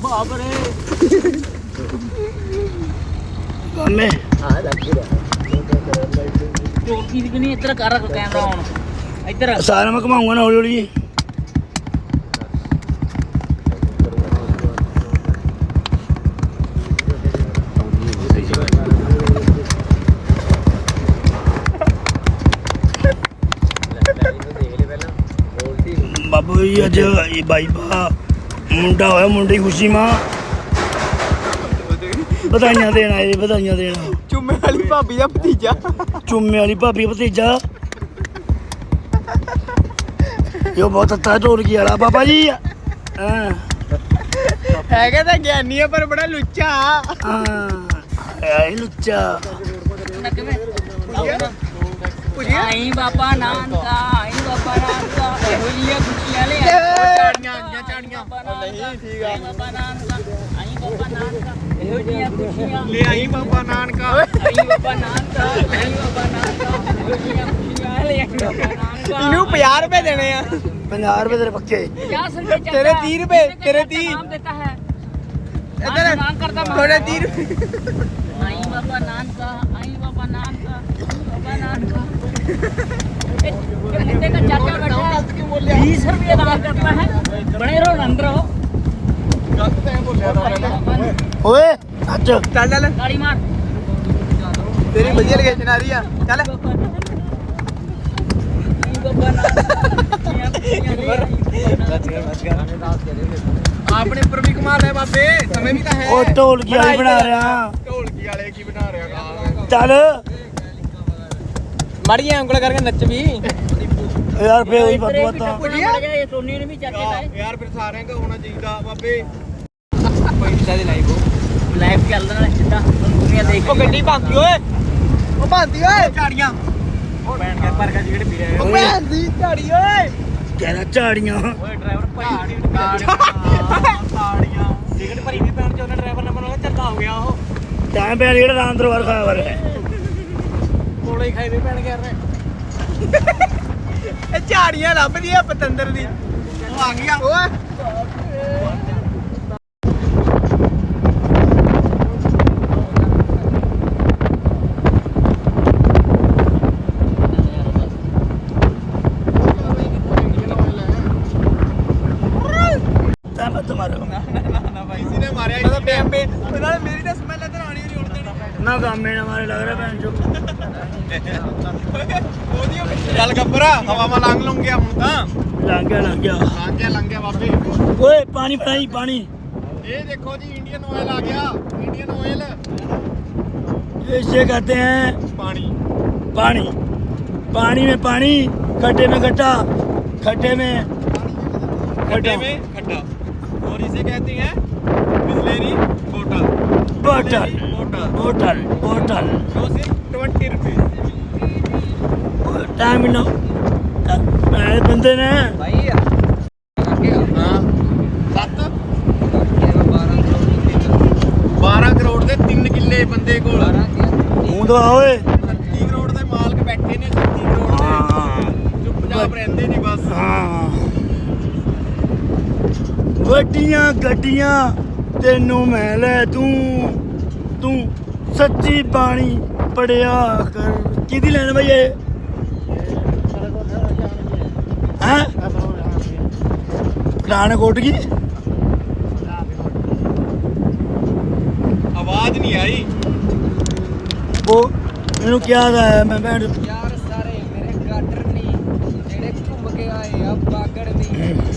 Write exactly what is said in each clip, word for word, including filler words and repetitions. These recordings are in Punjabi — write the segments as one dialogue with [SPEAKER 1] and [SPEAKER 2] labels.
[SPEAKER 1] बाप रे
[SPEAKER 2] कामे
[SPEAKER 1] हां लग रहा चोटी दिखनी इधर कर रख कैमरा ऑन इधर
[SPEAKER 2] सारा मैं घुमाऊंगा ना हौली हौली बाबू जी अज ये बाई बा मुंडा होया मुंडे की खुशी मां बधाइयां देना ये बधाइयां देना
[SPEAKER 3] चुम्मे वाली भाभी का भतीजा
[SPEAKER 2] चुम्मे वाली भाभी का भतीजा यो बहुत अच्छा ढोलकी वाला बाबा जी हाँ
[SPEAKER 3] हैगा तो ज्ञानी है पर बड़ा लुच्चा
[SPEAKER 2] हाँ है लुच्चा
[SPEAKER 1] आई बाबा नान का आई बाबा नान का होलिया खुशियां ले चाड़ियां आईयां चाड़ियां नहीं ठीक है बाबा नान का आई बाबा नान का होलिया खुशियां ले आई बाबा नान का आई बाबा नान का आई बाबा नान का होलिया खुशियां ले आई बाबा नान का
[SPEAKER 3] इनू पचास रुपए देने हैं
[SPEAKER 2] पचास रुपए तेरे पक्के
[SPEAKER 3] तेरे तीस रुपए तेरे तीस
[SPEAKER 1] नाम देता है
[SPEAKER 3] इधर
[SPEAKER 1] नाम करता
[SPEAKER 3] थोड़े तीस
[SPEAKER 1] आई बाबा नान का आई बाबा नान का बाबा नान का मुंडे का चाचा बैठा है बीस रुपये दान करता है बड़े रहो अंदर हो
[SPEAKER 2] ओए अच्छा
[SPEAKER 3] चल चल
[SPEAKER 1] गाड़ी मार
[SPEAKER 3] तेरी बढ़िया लोकेशन आ रही है चल आपने ऊपर भी कमा लिया बाबे समय भी तो है
[SPEAKER 2] ओ ढोलकी वाली बना रहा
[SPEAKER 3] ढोलकी वाले की बना रहा
[SPEAKER 2] चल
[SPEAKER 3] माड़िया ਉਂਗਲ ਕਰਕੇ ਨੱਚ ਵੀ
[SPEAKER 2] यार फे वही बात बता
[SPEAKER 1] ये सोनी ने भी चाचे लाए
[SPEAKER 3] यार फिर सारे का होना चाहिए बाबे पैसा ਦੇ ਲਾਈਵ
[SPEAKER 1] लाइव ਚੱਲਦਾ ਨਾਲ ਸਿੱਧਾ ਦੁਨੀਆ ਦੇਖ
[SPEAKER 3] ਉਹ ਗੱਡੀ ਭਾਂਦੀ ਓਏ ਉਹ ਭਾਂਦੀ ਓਏ ਝਾੜੀਆਂ ਉਹ ਬੈਠ ਕੇ ਪਰ ਕਾ ਜਿਹੜੇ ਪੀ ਰਹੇ ਉਹ ਭਾਂਦੀ ਝਾੜੀ ਓਏ
[SPEAKER 2] कह रहा झाड़ियां
[SPEAKER 3] ਓਏ ਡਰਾਈਵਰ ਭਾਈ ਝਾੜੀਆਂ ਟਿਕਟ ਭਰੀ ਵੀ ਪੈਣ ਚ ਉਹਨੇ ਡਰਾਈਵਰ ਨੇ ਬਣਾਇਆ ਚੱਲਾ ਹੋ ਗਿਆ ਉਹ
[SPEAKER 2] टाइम पे जेड़ा राम दरबार खाया वर
[SPEAKER 3] ਕੋਲੇ ਹੀ ਖਾਈ ਵੀ ਪੈਣ ਗਿਆ ਰੇ ਇਹ ਝਾੜੀਆਂ ਲੱਭਦੀ ਆ ਪਤੰਦਰ ਦੀ ਉਹ ਆ ਗਿਆ ਓਏ
[SPEAKER 2] ना गामे ना मारे लग रहा है जो
[SPEAKER 3] ਚੱਲ ਗੱਬਰਾ ਹਵਾ ਮਾ ਲੰਘ ਲੂੰਗੇ ਹੁਣ ਤਾਂ
[SPEAKER 2] लग गया लग गया
[SPEAKER 3] ਲੰਘ ਗਿਆ ਲੰਘ ਗਿਆ ਬਾਬੇ
[SPEAKER 2] ओए पानी पिलाई पानी
[SPEAKER 3] ਇਹ ਦੇਖੋ ਜੀ ਇੰਡੀਅਨ ਆਇਲ ਆ ਗਿਆ ਇੰਡੀਅਨ ਆਇਲ
[SPEAKER 2] इसे कहते हैं
[SPEAKER 3] ਪਾਣੀ
[SPEAKER 2] पानी पानी में पानी खड्डे में खड्डा खड्डे में
[SPEAKER 3] खड्डे में खड्डा और इसे कहते हैं बिस्लेरी बोतल
[SPEAKER 2] बोतल
[SPEAKER 3] बोतल
[SPEAKER 2] बोतल बोतल
[SPEAKER 3] जो सिर्फ ट्वेंटी रुपीज
[SPEAKER 2] टाइम नो बंदे ने
[SPEAKER 3] भाई हाँ सत्त बारह करोड़ ਦੇ तीन ਕਿੱਲੇ ਬੰਦੇ ਕੋਲ
[SPEAKER 2] हूं तो ओए
[SPEAKER 3] तीस करोड़ ਦੇ ਮਾਲਕ ਬੈਠੇ ਨੇ तीस करोड़ ਦੇ ਚੁੱਪਚਾਪ ਰਹਿੰਦੇ ਨੇ ਬਸ
[SPEAKER 2] हाँ ਵੱਡੀਆਂ ਗੱਡੀਆਂ ਤੈਨੂੰ ਮੈਂ ਲੈ ਤੂੰ ਤੂੰ ਸੱਚੀ ਬਾਣੀ ਪੜਿਆ ਕਰ ਕਿਹਦੀ ਲੈਣ ਬਈ ਇਹ ਹੈ ਪਠਾਨਕੋਟ ਕੀ
[SPEAKER 3] ਆਵਾਜ਼ ਨਹੀਂ ਆਈ
[SPEAKER 2] ਉਹ ਇਹਨੂੰ ਕਿਹਾ ਦਾ ਮੈਂ ਭੈਣ
[SPEAKER 3] ਯਾਰ ਸਾਰੇ ਮੇਰੇ ਗਾਡਰ ਨਹੀਂ ਜਿਹੜੇ ਘੁੰਮ ਕੇ ਆਏ ਆ ਬਾਗੜ ਨਹੀਂ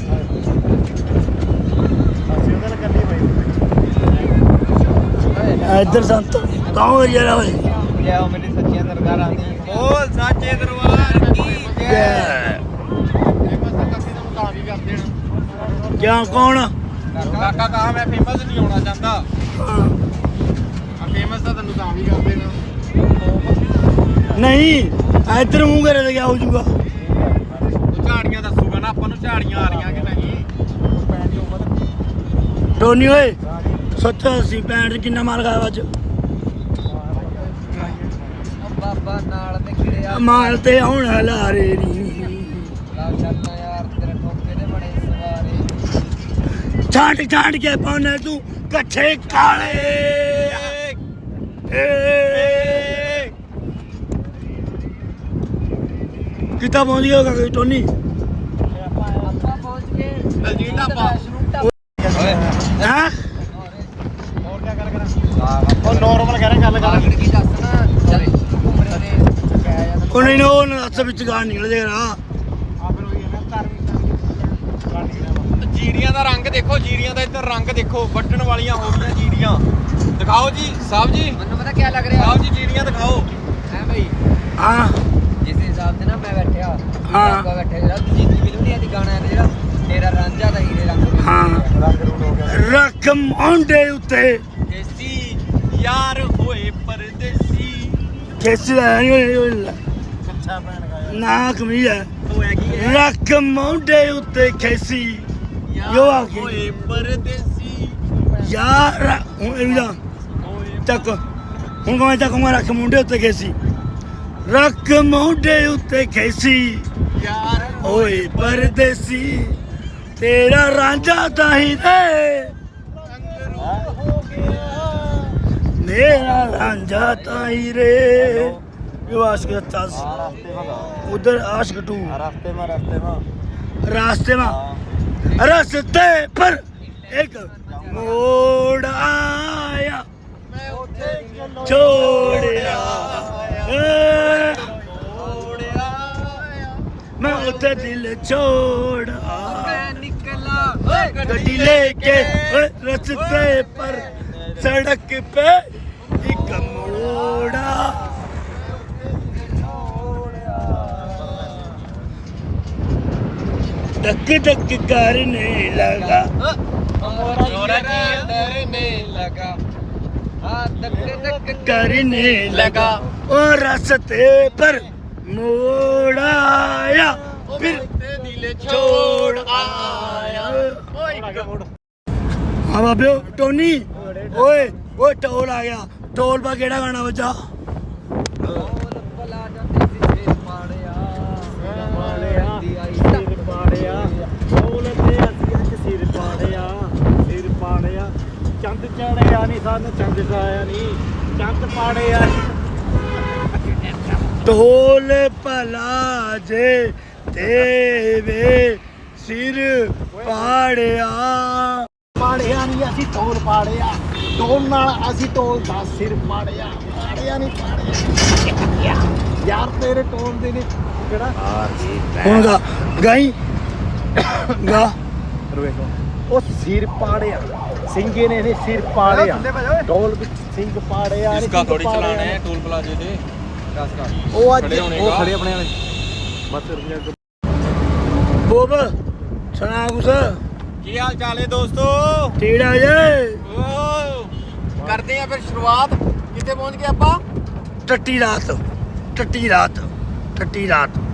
[SPEAKER 2] ਇੱਧਰ ਸੰਤ ਕੌਣ ਏਰੀਆ ਓਏ
[SPEAKER 3] ਜੈ ਹੋ ਮੇਰੀ ਸੱਚੀਆਂ ਦਰਬਾਰਾਂ ਦੀ ਬੋਲ ਸਾਚੇ ਦਰਬਾਰ ਕੀ ਜੈ ਫੇਮਸ ਕਾਕੀ ਦਾ ਮੁਕਾਮ ਵੀ ਕਰਦੇ ਨੇ
[SPEAKER 2] ਕਿਆ ਕੌਣ
[SPEAKER 3] ਕਾਕਾ ਕਹਾ ਮੈਂ ਫੇਮਸ ਨਹੀਂ ਹੋਣਾ ਚਾਹੁੰਦਾ ਆ ਫੇਮਸ ਤਾਂ ਤੈਨੂੰ ਤਾਂ ਵੀ ਕਰਦੇ ਨੇ
[SPEAKER 2] ਨਹੀਂ ਇੱਧਰ ਮੂੰਹ ਕਰੇ ਤੇ ਕਿਆ ਹੋ ਜਾਊਗਾ
[SPEAKER 3] ਉਹ ਝਾੜੀਆਂ ਦੱਸੂਗਾ ਨਾ ਆਪਾਂ ਨੂੰ ਝਾੜੀਆਂ ਆ ਰਹੀਆਂ ਕਿ ਨਹੀਂ
[SPEAKER 2] ਟੋਨੀ ਓਏ ਸੱਤਰ ਅੱਸੀ ਪੈਂਹਠ ਕਿੰਨਾ ਮਾਲ ਖਾਇਆ ਅੱਜ
[SPEAKER 3] ਬਾਬਾ ਨਾਲ ਤੇ ਖੜਿਆ
[SPEAKER 2] ਮਾਲ ਤੇ ਹੁਣ ਹਲਾਰੇ ਨਹੀਂ
[SPEAKER 3] ਲਾ ਛੱਡਣਾ ਯਾਰ ਤੇਰੇ ਠੋਕੇ ਦੇ ਬੜੇ ਸਵਾਰੇ
[SPEAKER 2] ਛਾਂਟ ਛਾਂਟ ਕੇ ਪਾਉਣਾ ਤੂੰ ਕੱਠੇ ਕਾਲੇ ਏ ਕਿਤਾ ਪਹੁੰਚ ਗਿਆ ਕਾਕੇ ਟੋਨੀ
[SPEAKER 1] ਆਪਾਂ ਪਹੁੰਚ ਗਏ
[SPEAKER 3] ਦਲਜੀਤ ਢਾਬਾ।
[SPEAKER 1] ਓਏ
[SPEAKER 2] ਹਾਂ
[SPEAKER 3] ਹੋਰ ਕੀ ਕਰ ਕਰਾਂ ਉਹ ਨੋਰਮਲ ਕਹਿ ਰਿਹਾ ਗੱਲ ਕਰ
[SPEAKER 1] ਕੀ ਦੱਸ ਨਾ ਚੱਲ ਘੁੰਮਣੇ ਦੇ ਕਹਿ ਜਾਂਦਾ
[SPEAKER 2] ਉਹ ਨਹੀਂ ਨਾ ਉਹ ਨਸ ਵਿੱਚ ਗਾਣ ਨਿਕਲ ਜਾਏਗਾ
[SPEAKER 3] ਆ ਫਿਰ ਉਹੀ ਹੈ ਨਾ ਧਾਰਮਿਕ ਜੀਰੀਆਂ ਦਾ ਰੰਗ ਦੇਖੋ ਜੀਰੀਆਂ ਦਾ ਇੱਧਰ ਰੰਗ ਦੇਖੋ ਵੱਢਣ ਵਾਲੀਆਂ ਹੋ ਗਈਆਂ ਜੀਰੀਆਂ ਦਿਖਾਓ ਜੀ ਸਾਹਿਬ ਜੀ
[SPEAKER 1] ਮੈਨੂੰ ਪਤਾ ਕੀ ਲੱਗ ਰਿਹਾ
[SPEAKER 3] ਸਾਹਿਬ ਜੀ ਜੀਰੀਆਂ ਦਿਖਾਓ
[SPEAKER 1] ਹੈ ਭਾਈ
[SPEAKER 2] ਹਾਂ
[SPEAKER 1] ਜਿਸ ਹਿਸਾਬ ਤੇ ਨਾ ਮੈਂ ਬੈਠਿਆ
[SPEAKER 2] ਹਾਂ।
[SPEAKER 1] ਆਪਾਂ ਬੈਠੇ ਜਿਹੜਾ ਦੂਜੀ ਦੀ ਫਿਲਮ ਨਹੀਂ ਆਦੀ ਗਾਣਾ ਹੈ ਜਿਹੜਾ ਤੇਰਾ ਰਾਂਝਾ ਦਾ ਹੀਰੇ ਰੰਗ ਵਿੱਚ
[SPEAKER 2] ਹਾਂ।
[SPEAKER 3] ਰੰਗ ਰੂਟ ਹੋ ਗਿਆ
[SPEAKER 2] ਰੱਖ ਮੌਂਡੇ ਉੱਤੇ
[SPEAKER 3] ਦੇਸੀ ਯਾਰ ਹੋਏ ਪਰਦੇਸੀ
[SPEAKER 2] ਕੇਸੀ ਦਾ ਨਹੀਂ ਹੋਇਆ
[SPEAKER 3] ਕੱਚਾ ਪੈਣ ਗਿਆ
[SPEAKER 2] ਨਾ ਕਮੀ ਹੈ
[SPEAKER 3] ਉਹ ਹੈਗੀ ਹੈ
[SPEAKER 2] ਰੱਖ ਮੌਂਡੇ ਉੱਤੇ ਖੇਸੀ ਯੋ ਆ ਗਈ।
[SPEAKER 3] ਹੋਏ ਪਰਦੇਸੀ
[SPEAKER 2] ਯਾਰ ਹੁਣ ਇਹ ਵੀ ਦਾ
[SPEAKER 3] ਹੋਏ
[SPEAKER 2] ਚੱਕ ਹੁਣ ਕਹਾਂ ਚੱਕ ਮੈਂ ਰੱਖ ਮੁੰਡੇ ਉੱਤੇ ਖੇਸੀ ਰੱਖ ਮੌਂਡੇ ਉੱਤੇ ਖੇਸੀ
[SPEAKER 3] ਯਾਰ
[SPEAKER 2] ਓਏ ਪਰਦੇਸੀ ਤੇਰਾ ਰਾਂਝਾ ਤਾਂ ਹੀ ਰੇ
[SPEAKER 3] ਰੰਗ ਰੂਟ ਹੋ ਗਿਆ
[SPEAKER 2] ਮੇਰਾ ਰਾਂਝਾ ਤਾਂ ਹੀ ਰੇ यो आशिक ताज
[SPEAKER 3] रास्ते में
[SPEAKER 2] उधर आशिक टू
[SPEAKER 3] रास्ते में रास्ते में
[SPEAKER 2] रास्ते में रास्ते पर एक मोड़ आया
[SPEAKER 3] मैं उठे
[SPEAKER 2] छोड़ आया
[SPEAKER 3] छोड़ आया
[SPEAKER 2] मैं उधर दिल छोड़ आया
[SPEAKER 1] निकला
[SPEAKER 2] गड्डी लेके रास्ते पर सड़क पे एक मोड़ा धक धक करने लगा
[SPEAKER 3] मोरा डरने लगा
[SPEAKER 1] हाँ धक धक
[SPEAKER 2] करने लगा
[SPEAKER 3] लगा
[SPEAKER 2] और रास्ते पर मोड़ आया फिर
[SPEAKER 3] दिल
[SPEAKER 2] छोड़ आया हाँ बाबे टोनी ओए ओए टोल आ गया टोल पर केड़ा गाना बजा
[SPEAKER 1] पला जाते सिर पाड़िया
[SPEAKER 3] ਸਿਰ ਪਾੜਿਆ ਢੋਲ ਤੇ ਅਸੀਂ ਅੱਜ ਸਿਰ ਪਾੜਿਆ ਸਿਰ ਪਾੜਿਆ ਚੰਦ ਚੜਿਆ ਨਹੀਂ ਸਾਨੂੰ ਚੰਦ ਆਇਆ ਨਹੀਂ ਚੰਦ ਪਾੜਿਆ
[SPEAKER 2] ਢੋਲ ਭਲਾ ਜੇ ਦੇਵੇ ਸਿਰ ਪਾੜਿਆ
[SPEAKER 3] ਪਾੜਿਆ ਨਹੀਂ ਅਸੀਂ ਢੋਲ ਪਾੜਿਆ ਢੋਲ ਨਾਲ ਅਸੀਂ ਢੋਲ ਦਾ ਸਿਰ ਪਾੜਿਆ ਪਾੜਿਆ ਨਹੀਂ ਪਾੜਿਆ ਯਾਰ ਤੇਰੇ ਢੋਲ ਦੇ ਨੇ ਕਿਹੜਾ
[SPEAKER 2] ਹੁਣ ਗਾ ਗਾਈ ਗਾ
[SPEAKER 3] ਰਵੇਖੋ ਉਹ ਸਿਰ ਪਾੜਿਆ ਸਿੰਘੇ ਨੇ ਇਹਨੇ ਸਿਰ ਪਾੜਿਆ ਢੋਲ ਵਿੱਚ ਸਿੰਘ ਪਾੜਿਆ
[SPEAKER 4] इसका थोड़ी चलाना है टोल प्लाजे थे
[SPEAKER 3] ਉਹ ਅੱਜ
[SPEAKER 4] ਖੜੇ ਹੋਣੇ
[SPEAKER 3] ਉਹ
[SPEAKER 4] ਕਾ।
[SPEAKER 3] ਖੜੇ ਆਪਣੇ ਵਾਲੇ ਬਸ ਰੁਕ
[SPEAKER 2] ਬੋਬ ਸੁਣਾ ਕੁਛ
[SPEAKER 3] ਕੀ ਹਾਲ ਚਾਲ ਹੈ ਦੋਸਤੋ
[SPEAKER 2] ਟੀੜਾ ਜੇ
[SPEAKER 3] ਓ ਕਰਦੇ ਆ ਫਿਰ ਸ਼ੁਰੂਆਤ ਕਿੱਥੇ ਪਹੁੰਚ ਗਏ ਆਪਾਂ
[SPEAKER 2] ਟੱਟੀ ਰਾਤ ਟੱਟੀ ਰਾਤ ਟੱਟੀ ਰਾਤ